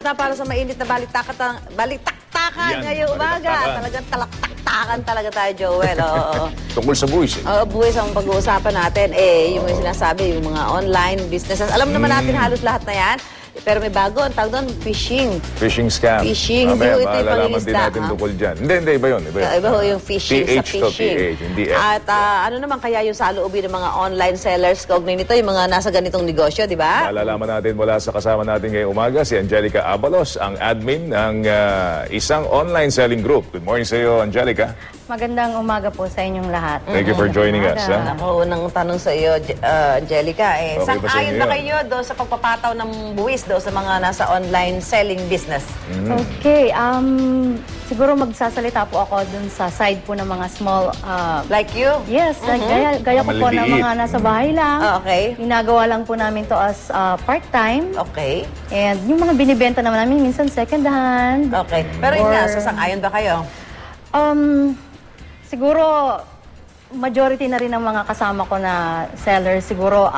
na para sa mainit na balitaktakan ngayong umaga. Talagang talaktaktakan talaga tayo, Joel. Tungkol sa buwis. Buwis ang pag-uusapan natin. Yung sinasabi, yung mga online businesses. Alam naman natin halos lahat na yan. Pero may bago, ang tawag doon, phishing. Phishing scam. Phishing. Hindi ito yung malalaman din natin tungkol dyan. Hindi, iba yun. Iba yung phishing sa phishing. PH, hindi F. At ano naman kaya yung saloobin ng mga online sellers kaugnay nito, yung mga nasa ganitong negosyo, di ba? Malalaman natin mula sa kasama natin ngayong umaga, si Angelica Abalos, ang admin ng isang online selling group. Good morning sa iyo, Angelica. Magandang umaga po sa inyong lahat. Thank you for joining us. Ako, unang tanong sa iyo, Angelica, Okay ba sa sang-ayon inyo ba yun? kayo doon sa pagpapataw ng buwis doon sa mga nasa online selling business? Okay, siguro magsasalita po ako dun sa side po ng mga small, Like you? yes, like gaya ko po ng Maliliit. mga nasa bahay lang. Okay. Ginagawa lang po namin to as part-time. Okay. And yung mga binibenta naman namin, minsan second hand. Okay. Pero yun Or- nga, sang-ayon ba kayo? Siguro, majority na rin ng mga kasama ko na sellers, siguro,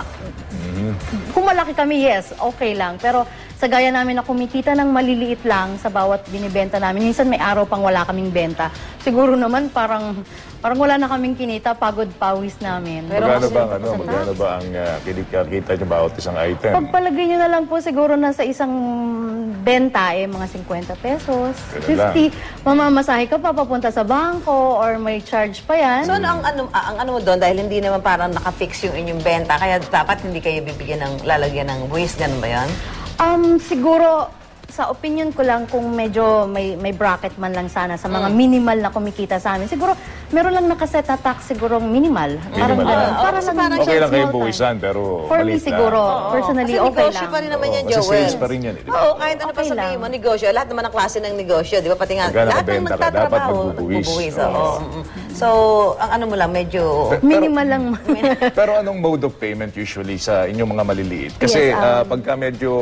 kung malaki kami, yes, okay lang. Pero sa gaya namin na kumikita ng maliliit lang sa bawat binibenta namin, minsan may araw pang wala kaming benta. Siguro naman parang wala na kaming kinita, pagod pawis namin. Magkano ba ang kinikita niyo bawat isang item? Pagpalagay nyo na lang po siguro na sa isang benta, mga 50 pesos, Ganun 50. Mamamasahe ka pa papunta sa bangko or may charge pa yan. So, ang ano mo doon, dahil hindi naman parang nakafix yung inyong benta, kaya dapat hindi kayo bibigyan ng lalagyan ng buwis, ganun ba yan? Siguro, sa opinion ko lang, kung medyo may bracket man lang sana sa mga minimal na kumikita sa amin, siguro meron lang nakaset na tax siguro minimal. Parang ganun. Para lang parang Okay lang small kayong time. buwisan, pero For me maliit siguro, personally, Kasi okay negosyo lang. pa rin naman yan, Kasi Joel. sales pa rin yan. Oo, kahit ano pa Okay sabihin lang. mo, negosyo. Lahat naman ang klase ng negosyo, di ba? Pati nga, Pagka lahat ng nakabenta ka, dapat nagtatrabaho, magbubuwis. nagbubuwis. Oo. So, ang ano mo lang, medyo... Minimal lang. Pero anong mode of payment usually sa inyong mga maliliit? Kasi Yes, pagka medyo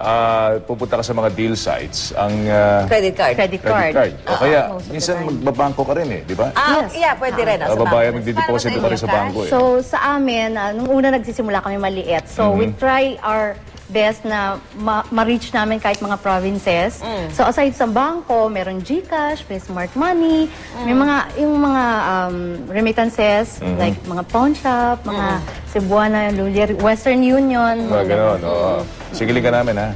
pupunta ka sa mga deal sites, ang Credit card. Credit credit card. card. O kaya, most of the minsan time. magbabangko ka rin di ba? Ah, Yes. yeah, pwede rin. Sa Babayan, bangko. magdideposito Paano ka rin sa cash? bangko So, sa amin, nung una nagsisimula kami maliit. So, we try our best na ma-reach namin kahit mga provinces. So, aside sa bangko, meron GCash, may Smart Money, may yung mga remittances, like mga pawn shop, mga Cebuana, Lulier, Western Union. Mga ganon, oo. Sigiling ka namin, ha?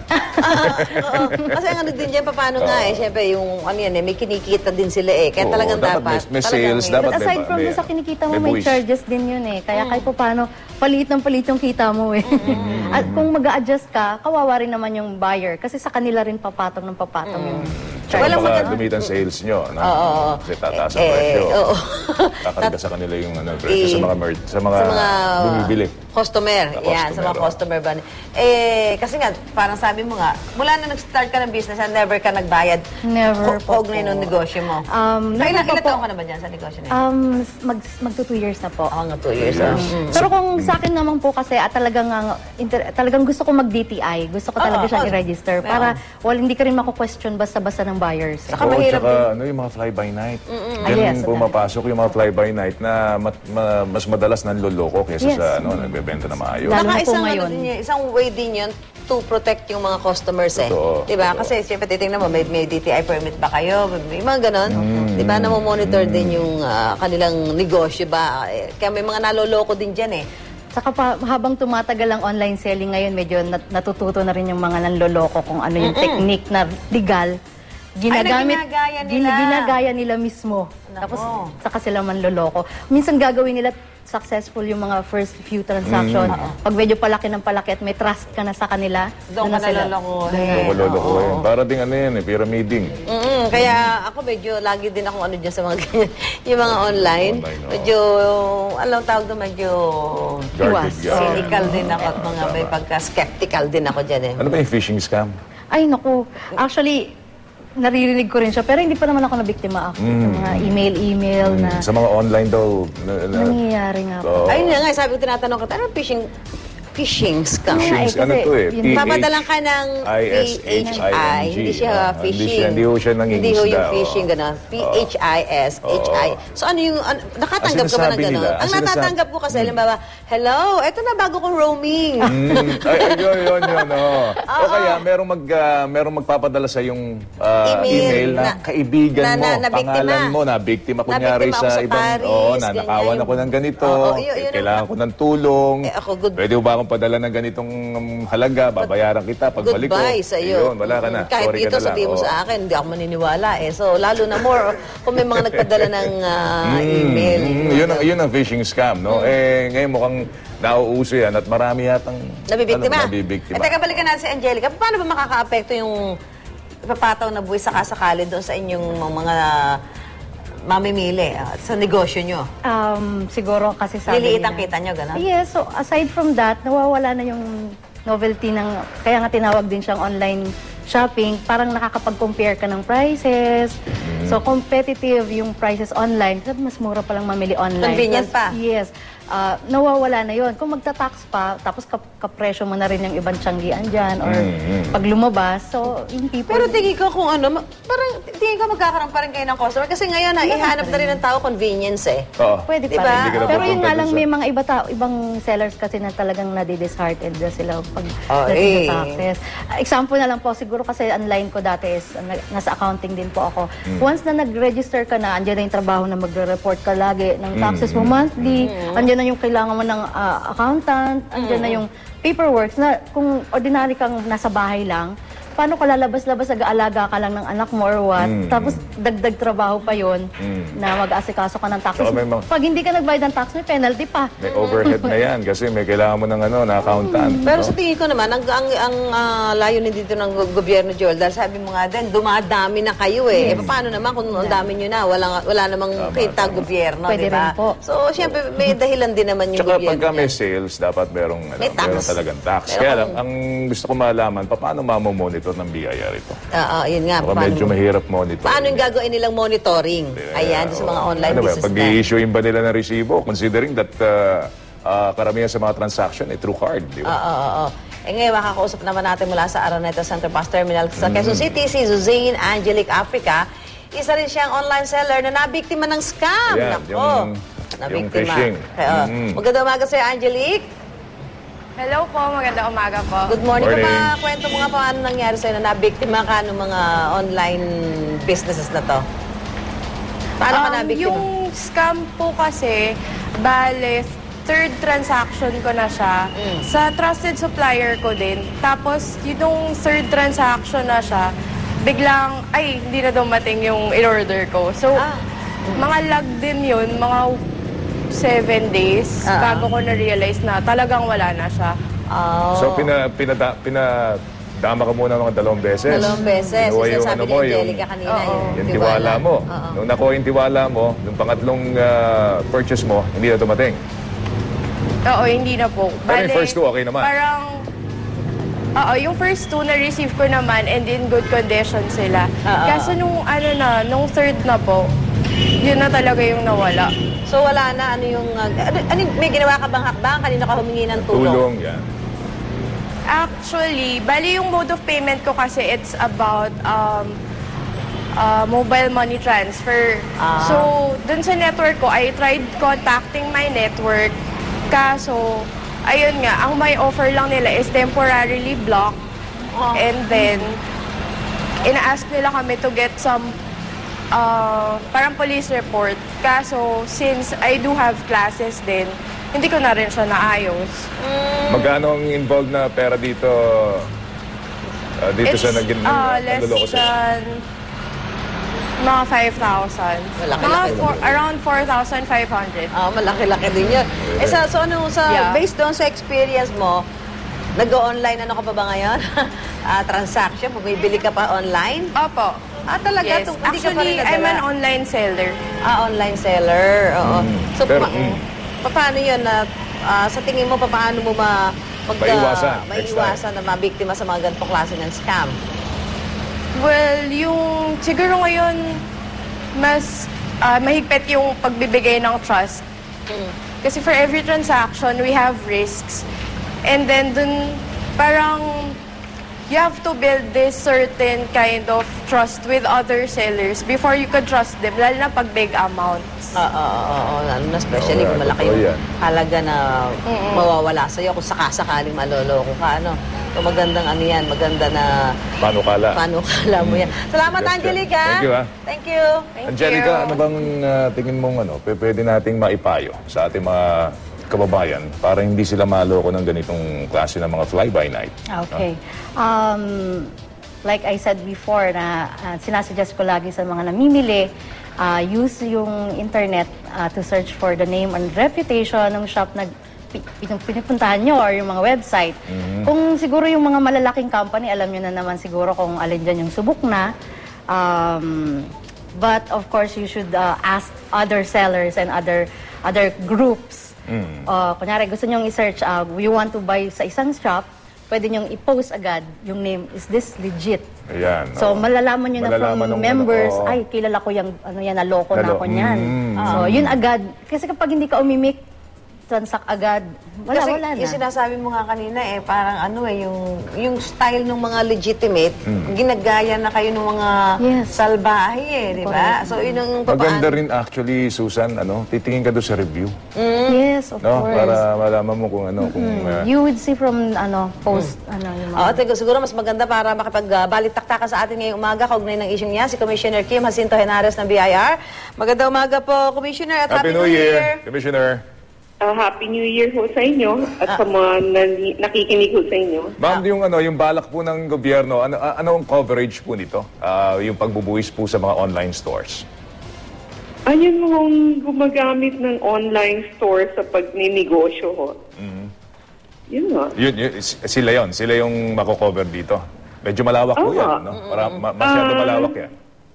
Oo. Kasi ang ano din dyan, paano nga siyempre yung ano yan may kinikita din sila Kaya Oo, talagang dapat may sales, dapat But aside from sa kinikita mo, may buwis. charges din yun Kaya kahit pa paano, palit ng palit yung kita mo At kung mag-a-adjust ka, kawawa rin naman yung buyer. Kasi sa kanila rin papatong ng papatong yung charge. Walang Baka maganda. gamitan sales nyo, no? Oo. Kasi tataas ang presyo. Oo. Kakarga sa kanila yung presyo sa mga bumibili. Customer. Sa Yan, sa mga customer, customer ba? Kasi nga, parang sabi mo nga, mula na nag-start ka ng business, never ka nagbayad. Never po Kaugnay ng negosyo mo. never Ilan pa po. taon ka na ba dyan sa negosyo na yun? Magto 2 years na po. Mga 2 years. Pero kung sa akin naman po kasi talagang gusto ko mag-DTI. Gusto ko talaga siyang i-register para hindi ka rin mako-question basta-basta ng buyers. Saka Oo, mahirap tsaka yung mga fly-by-night. Diyan Yes, pumapasok yung mga fly-by-night na mas madalas nanloloko kaysa Yes. sa nagbebenta na maayos. Lalo Saka na po ngayon. isang way din yun to protect yung mga customers Totoo, Diba? totoo. Kasi siyempre titingnan mo, may DTI permit ba kayo? May mga ganon. Diba? Namomonitor din yung kanilang negosyo ba? Kaya may mga naloloko din dyan Saka habang tumatagal ang online selling ngayon, medyo natututo na rin yung mga nanloloko kung ano yung technique na legal. Ginagaya nila mismo. Tapos saka sila manloloko. Minsan gagawin nila successful yung mga first few transaction. Pag medyo palaki ng palaki at may trust ka na sa kanila, Doon ka na sila. naloloko. Maloloko yan. Para ding pyramiding. Kaya ako medyo lagi din akong ano dyan sa mga ganyan. Yung mga online. Online, oo. Medyo, alam tawag doon, medyo Guarded ka. cynical din ako at mga may pagka-skeptical din ako dyan Ano ba yung phishing scam? Ay, naku. Actually, naririnig ko rin siya. Pero hindi pa naman ako nabiktima ako. Sa mga email na Sa mga online daw. nangyayari nga po. Oo. Ayun nga, sabi ko tinatanong ko, ano phishing phishing scam. Phishing, Kasi ano to eh? yun- Papadalan ka ng PHISHING. PHI. Hindi siya phishing. Hindi ho siya Hindi ho yung nangingisda, phishing, oo. gano'n. PHISHI. So ano yung, nakatanggap ka ba ng sinasabi gano'n? nila, Ang ang sinasabi- natatanggap ko kasi, halimbawa, hello, eto na bago kong roaming. Yun. O kaya, merong magpapadala sa yung email na kaibigan mo, na biktima. pangalan mo, na biktima kunyari Nabiktima ako sa sa ibang, Paris, nakawan ganyan. ako ng ganito, Oo, yun kailangan ko ng tulong, ako, good. pwede mo ba akong padala ng ganitong halaga, babayaran kita pagbalik ko. Goodbye sa iyo. Ayun, wala ka na. Kahit Sorry ka dito na lang. sabihin mo Oo. sa akin, hindi ako maniniwala eh. So, lalo na more kung may mga nagpadala ng email. Yun ang phishing scam, no? Eh, ngayon mukhang nauuso yan at marami yatang Nabibiktima. nabibiktima. Teka, balikan natin si Angelica. Paano ba makaka-apekto yung ipapataw na buwis sakasakali doon sa inyong mga mamimili sa negosyo nyo? Siguro kasi sabi Liliit ang nila- kita nyo, gano'n? Yes, so aside from that, nawawala na yung novelty ng, kaya nga tinawag din siyang online shopping, parang nakakapag-compare ka ng prices. So competitive yung prices online, kasi mas mura palang mamili online. Convenient pa. Yes. Nawawala na yon. Kung magta-tax pa, tapos kapresyo mo na rin yung ibang tiyanggian dyan, or pag lumabas, so yung people... Pero tingin ko kung ano, parang tingin ko magkakaroon pa rin kayo ng customer. Kasi ngayon, ihanap na rin ng tao convenience eh. Oo. Pwede Diba? pa rin. Hindi ka na Pero yun pupunta nga dun lang, sa- may mga ibang sellers kasi na talagang nadi-disheartened na sila pag Oh, dating sa taxes. Example na lang po, siguro kasi ang line ko dati is, nasa accounting din po ako. Once na nag-register ka na, andyan na yung trabaho na magre-report ka lagi ng taxes mo monthly, andyan na yung kailangan mo ng accountant, andyan na yung paperwork na kung ordinary kang nasa bahay lang, paano ka lalabas-labas, nag-aalaga ka lang ng anak mo or what, tapos dagdag trabaho pa yon na mag-asikaso ka ng taxes. Saka may mga- Pag hindi ka nagbayad ng tax, may penalty pa. May overhead na yan kasi may kailangan mo ng na accountant. Pero no? sa tingin ko naman, ang layunin dito ng gobyerno, Joel, dahil sabi mo nga din, dumadami na kayo eh. Paano naman kung ang dami nyo na, wala namang kita gobyerno, Pwede di ba? rin po. So, siyempre, may dahilan din naman yung Tsaka gobyerno. pagka may sales, dapat merong, May tax. meron talagang tax. Meron Kaya kang- lang, ang gusto ko malaman, paano mamomonitor ng BIR ito? Yun nga. Baka medyo mahirap monitor. Paano yung gagawin nilang monitoring? Ayan, sa mga online ano ba, business pag i-issuein ba nila ng resibo, considering that karamihan sa mga transaction ay through card, di ba? Oo. Eh ngayon, makakausap naman natin mula sa Araneta Center Bus Terminal sa Quezon City, si Suzanne Angelic Africa. Isa rin siyang online seller na nabiktima ng scam. Ayan, Nako, yung phishing. Kaya, magandang umaga sa'yo, Angelique. Hello po, magandang umaga po. Good morning. Morning. Kwento mo nga paano nangyari sa'yo na nabiktima ka ng mga online businesses na to. Paano ka nabiktima? Yung scam po kasi, bale, third transaction ko na siya. Sa trusted supplier ko din. Tapos, yung third transaction na siya, biglang, ay, hindi na dumating yung in-order ko. So, mga lag din yun, mga 7 days, bago ko na-realize na talagang wala na siya. So, pinadama ka muna mga 2 beses. 2 beses. Kinuha Yung sabi ni mo, Angelica kanina, yung tiwala mo. Oo. Nung nakuha yung tiwala mo, yung pangatlong purchase mo, hindi na dumating. Oo, hindi na po. Pero yung first 2, okay naman? Parang, yung first 2 na-receive ko naman and in good condition sila. Kaso nung third na po, yun na talaga yung nawala. So wala na, may ginawa ka bang hakbang? Kanina ka humingi ng tulong? Tulong, yan. Actually, bali yung mode of payment ko kasi it's about mobile money transfer. So, dun sa network ko, I tried contacting my network. Kaso, ayun nga, ang may offer lang nila is temporarily blocked. And then, ina-ask nila kami to get some parang police report. Kaso, since I do have classes din, hindi ko na rin siya naayos. Magkano ang involved na pera dito? Dito It's sa less naloloko sa'yo? than mga 5,000. Malaki-laki Around 4,500. Malaki-laki din yun. Yeah. Based doon sa experience mo, nag-online ano ka pa ba ngayon? Transaction, bumibili ka pa online? Opo. Talaga? Yes. Hindi ka pa rin Actually, I'm an nadala? online seller. Online seller, oo. So, Pero, paano yun? Sa tingin mo, paano mo Maiwasan, next maiwasan na mabiktima sa mga ganitong klase ng scam? Well, siguro ngayon, mas mahigpit yung pagbibigay ng trust. Kasi for every transaction, we have risks. And then dun, parang you have to build this certain kind of trust with other sellers before you could trust them, lalo na pag big amounts. Oo, lalo na especially kung malaki totoo yung yan. halaga na mawawala sa'yo kung sakasakaling maloloko ka, ano. So magandang ano yan, maganda na Panukala. panukala mo yan. Salamat, Yes, Angelica. thank you, Thank you. Thank Angelica, you. ano bang tingin mong pwede nating maipayo sa ating mga kababayan para hindi sila maloko ng ganitong klase ng mga fly-by-night? Okay. Like I said before, na sinasuggest ko lagi sa mga namimili, use yung internet to search for the name and reputation ng shop na pinupuntahan nyo or yung mga website. Kung siguro yung mga malalaking company, alam nyo na naman siguro kung alin dyan yung subok na. But of course, you should ask other sellers and other groups. Kunyari, gusto nyong i-search, you want to buy sa isang shop, pwede nyong i-post agad yung name, is this legit? Ayan. So, malalaman nyo na Malalaman from ng members, ano, ay, kilala ko yung, naloko na ako niyan. Mm. So, yun agad. Kasi kapag hindi ka umimik, transact agad, Kasi wala na. yung sinasabi mo nga kanina parang yung style ng mga legitimate, ginagaya na kayo ng mga Yes. salbahe di ba? So yun ang Maganda rin actually, Susan, titingin ka doon sa review. Yes, of No? course. Para malaman mo kung kung You would see from, post, yung mga... Oo, siguro mas maganda para makipag-balitaktakan sa atin ngayong umaga kaugnay ng issue niya, si Commissioner Kim Jacinto Henares ng BIR. Magandang umaga po, Commissioner, at Happy New Year! Commissioner. Happy New Year ho sa inyo at sa mga nakikinig ho sa inyo. Ma'am, yung balak po ng gobyerno, ano ang coverage po nito? Yung pagbubuwis po sa mga online stores. Ayun hong gumagamit ng online store sa pagninegosyo ho. Yun nga. Sila yung mako-cover dito. Medyo malawak po yan, no? Masyado malawak yan.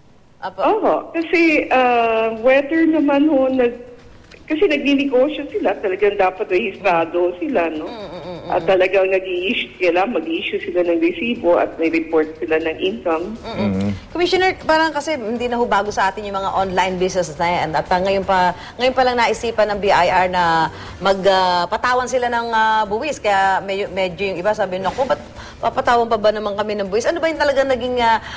Oo, kasi whether naman ho kasi nagninegosyo sila, talagang dapat rehistrado sila, no? At talagang mag-i-issue sila ng resibo at may report sila ng income. Commissioner, parang kasi hindi na ho bago sa atin yung mga online business na yan. At ngayon pa lang naisipan ng BIR na magpatawan sila ng buwis. Kaya medyo yung iba sabi, naku, ba't papatawan pa ba naman kami ng buwis? Ano ba yung talagang naging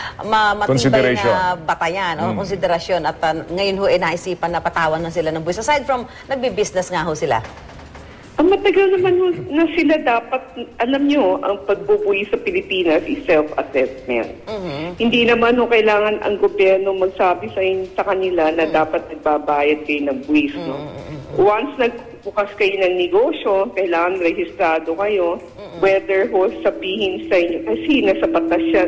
matibay na batayan o konsiderasyon? At ngayon ho, naisipan na patawan na sila ng buwis. Aside from nagbi-business nga ho sila. Ang matagal naman na sila dapat, alam nyo, ang pagbubuwi sa Pilipinas is self-assessment. Hindi naman kailangan ang gobyerno magsabi sa kanila na dapat nagbabayad kayo ng buwis. No? Once nagbukas kayo ng negosyo, kailangan rehistrado kayo, whether sabihin sa inyo, kasi nasa batas yan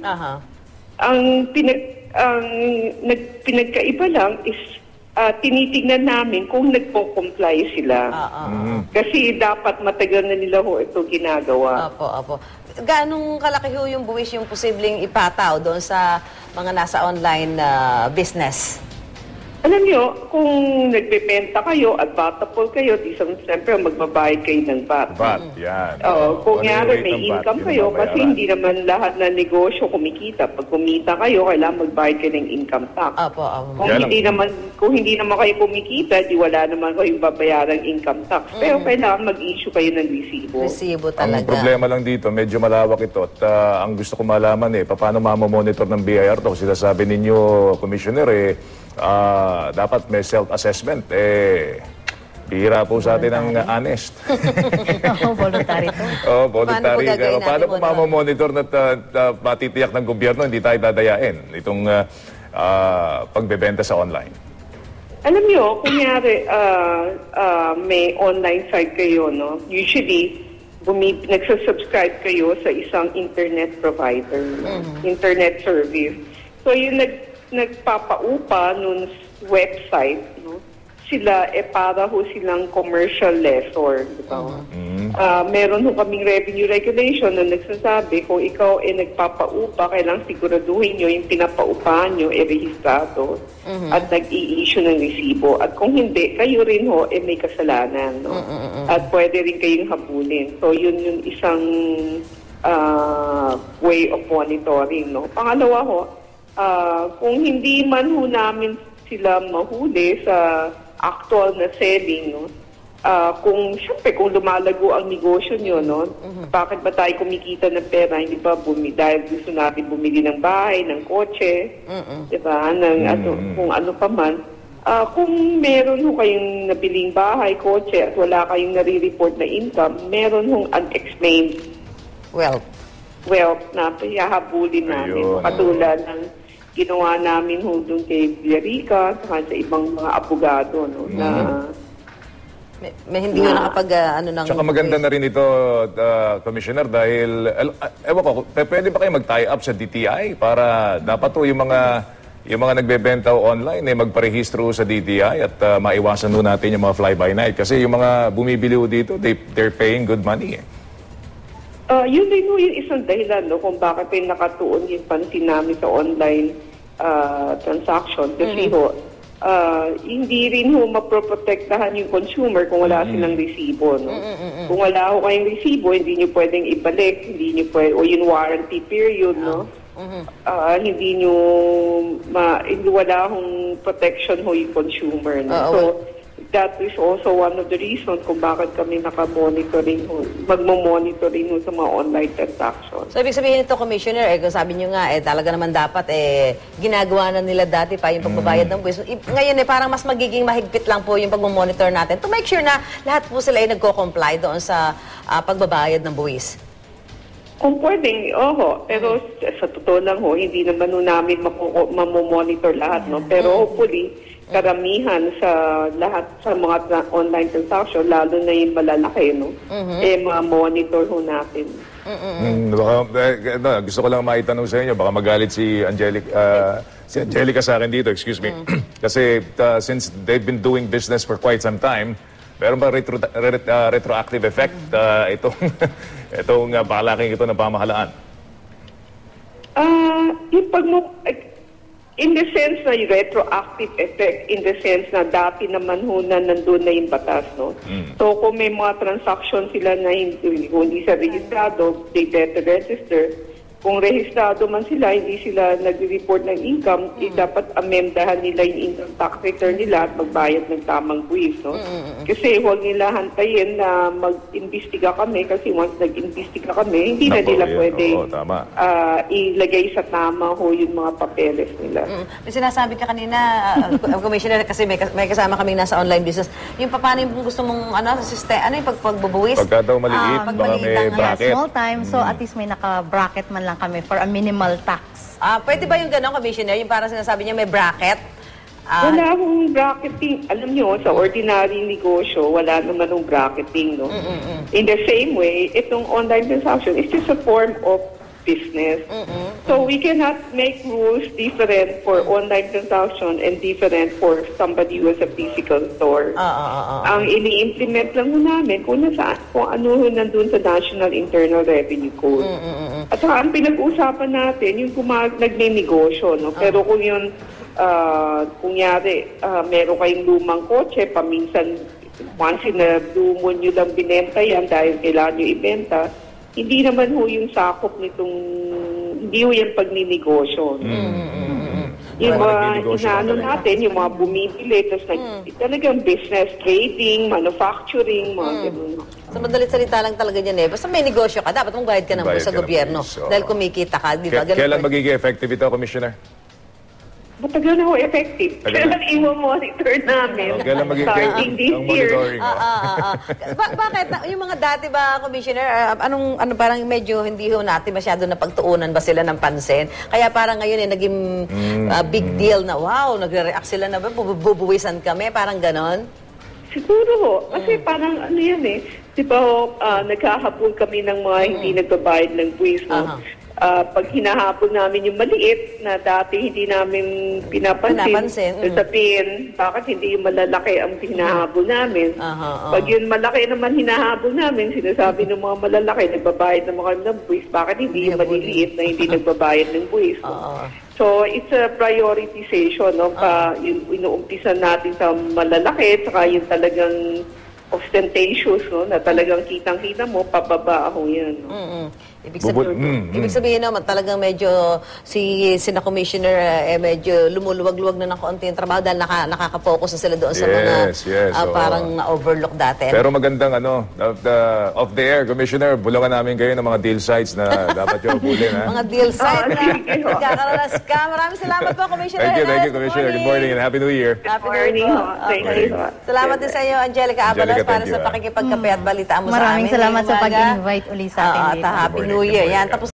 Ang pinagkaiba lang is tinitignan namin kung nagpo-comply sila. Kasi dapat matagal na nila ito ginagawa. Opo. Ganong kalaki ho yung buwis yung posibleng ipataw doon sa mga nasa online business? Alam nyo, kung nagbebenta kayo at batapol kayo, siyempre magbabayad kayo ng VAT. VAT, yan. Kung may income kayo, kasi hindi naman lahat na negosyo kumikita. Pag kumita kayo, kailangan magbayad kayo ng income tax. Kung hindi naman kayo kumikita, di wala naman kayong babayarang income tax. Pero kailangan mag-issue kayo ng resibo. Resibo talaga. Ang problema lang dito, medyo malawak ito. At ang gusto ko malaman paano mamamonitor ng BIR to? Sila sabi ninyo, Commissioner, dapat may self-assessment. Bihira po sa atin ang honest. Voluntary to. Voluntary. Paano po mamamonitor na matitiyak ng gobyerno hindi tayo dadayain itong pagbebenta sa online? Alam nyo, kunyari may online site kayo, no? Usually, nagsasubscribe kayo sa isang internet provider, internet service. So, yung nagpapaupa nun website, no? Sila para silang commercial lessor, di ba? Meron kaming revenue regulation na nagsasabi kung ikaw nagpapaupa, kailangang siguraduhin nyo yung pinapaupahan nyo rehistrado at nag-i-issue ng resibo. At kung hindi, kayo rin may kasalanan, no? At pwede rin kayong habulin. So yun yung isang way of monitoring, no? Pangalawa kung hindi man namin sila mahuli sa actual na selling, no? Siyempre, kung lumalago ang negosyo nyo, no? Bakit ba tayo kumikita ng pera? Hindi ba dahil gusto natin bumili ng bahay, ng kotse, di ba? Kung ano pa man. Kung meron ho kayong nabiling bahay, kotse, at wala kayong nare-report na income, meron hong unexplained Well, wealth na hahabulin namin. Ayun. Katulad ng ginawa namin ho doon kay Villarica, saka sa ibang mga abogado, no? Na may hindi ko nakapag, ng... Tsaka maganda na rin ito, Commissioner, dahil, ewan ko, pwede ba kayo mag-tie up sa DTI para dapat to yung mga nagbebenta online magparehistro sa DTI at maiwasan ho natin yung mga fly-by-night. Kasi yung mga bumibili ho dito, they're paying good money. Yun din ho yung isang dahilan, no, kung bakit ay nakatuon yung pansin namin sa online transaction. Kasi hindi rin ho maproprotektahan yung consumer kung wala silang resibo. No? Kung wala ho kayong resibo, hindi nyo pwedeng ibalik, hindi nyo o yung warranty period, no? Hindi nyo, wala hong protection ho yung consumer. No? So, that is also one of the reasons kung bakit kami naka-monitoring ho, magmo-monitoring ho sa mga online transactions. So, ibig sabihin ito, Commissioner, kung sabi nyo nga, talaga naman dapat, ginagawa na nila dati pa yung pagbabayad ng buwis. Ngayon, parang mas magiging mahigpit lang po yung pagmamonitor natin to make sure na lahat po sila ay nagko-comply doon sa pagbabayad ng buwis. Kung pwedeng, pero sa totoo lang ho, hindi naman ho namin mamomonitor lahat, no? Pero hopefully, karamihan sa lahat sa mga online transaction, lalo na yung malalaki, no? Ma-monitor ho natin. Gusto ko lang maitanong sa inyo, baka magalit si Angelica sa akin dito, excuse me. Kasi since they've been doing business for quite some time, meron ba retroactive effect itong palaking ito ng pamahalaan? In the sense na yung retroactive effect, in the sense na dati naman ho na nandun na yung batas, no? So, kung may mga transaction sila na hindi sa registrado, they better register. Kung rehistrado man sila, hindi sila nag-report ng income, dapat amendahan nila yung income tax return nila at magbayad ng tamang buwis, no? Kasi huwag nila hantayin na mag-imbestiga kami kasi once nag-imbestiga kami, hindi na nila pwede ilagay sa tama ho yung mga papeles nila. May sinasabi ka kanina, Commissioner, kasi may kasama kaming nasa online business. Yung paano yung gusto mong, yung pagbubuwis? Pagka daw maliit, baka may bracket. Small time, so at least may naka-bracket man lang kami for a minimal tax. Pwede ba yung gano'n, Commissioner? Yung parang sinasabi niya may bracket? Wala akong bracketing. Alam nyo, sa ordinary negosyo, wala naman ng bracketing, no? In the same way, itong online transaction is just a form of business. So we cannot make rules different for online transaction and different for somebody who has a physical store. Ang ini-implement lang ho namin kung ano ho nandun sa National Internal Revenue Code. At saka ang pinag-uusapan natin, yung nagne-negosyo, no? Pero kung yun, kunyari, meron kayong lumang kotse, paminsan, once in a blue moon nyo lang binenta yan dahil kailangan nyo ibenta, hindi naman ho yung sakop nitong, hindi ho yung pagninegosyo. Yung mga inaano natin, yung mga bumibili, tapos talagang business, trading, manufacturing, mga ganun. So, madalit salita lang talaga yan Basta may negosyo ka, dapat mong bayad ka ng buwis sa gobyerno. Dahil kumikita ka, di ba? Kailan magiging effective ito, Commissioner? Matagal na ho effective. Kailan i-monitor namin? Kailan magiging starting this year? Bakit? Yung mga dati ba, Commissioner, parang medyo hindi ho natin masyado na pagtuunan ba sila ng pansin? Kaya parang ngayon naging big deal na, wow, nagre-react sila na ba, bubuwisan kami, parang ganon? Siguro ho. Kasi parang yan di ba naghahabol kami ng mga hindi nagbabayad ng buwis, no? Pag hinahabol namin yung maliit na dati hindi namin pinapansin. Sabihin, bakit hindi yung malalaki ang hinahabol namin? Pag yung malaki naman hinahabol namin, sinasabi ng mga malalaki, nagbabayad naman kami ng buwis, bakit hindi yung maliliit na hindi nagbabayad ng buwis? So, it's a prioritization, no? Yung inuumpisa natin sa malalaki, saka yung talagang ostentatious, no? Na talagang kitang-kita mo, pababa ako yan. No? Ibig sabihin naman, talagang medyo sina Commissioner medyo lumuluwag-luwag na ng konti yung trabaho dahil nakaka-focus na sila doon sa mga oo. parang na-overlook dati. Pero magandang off the air, Commissioner, bulungan namin kayo ng mga deal sites na dapat yung abulin, ha? Mga deal site na sige ho. nagkakaroon ng scam. Maraming salamat po, Commissioner. Thank you, Hernandez. Commissioner. Good morning and Happy New Year. Happy Morning New Year ho. po. Thank Okay. you ho. Salamat din sa iyo, Angelica Abalos, Angelica, para thank sa you, pakikipagkape at balitaan mo sa amin. Maraming salamat ngayong sa umaga. pag-invite uli sa atin At dito. Happy Good New morning, Year. good Yan, morning. tapos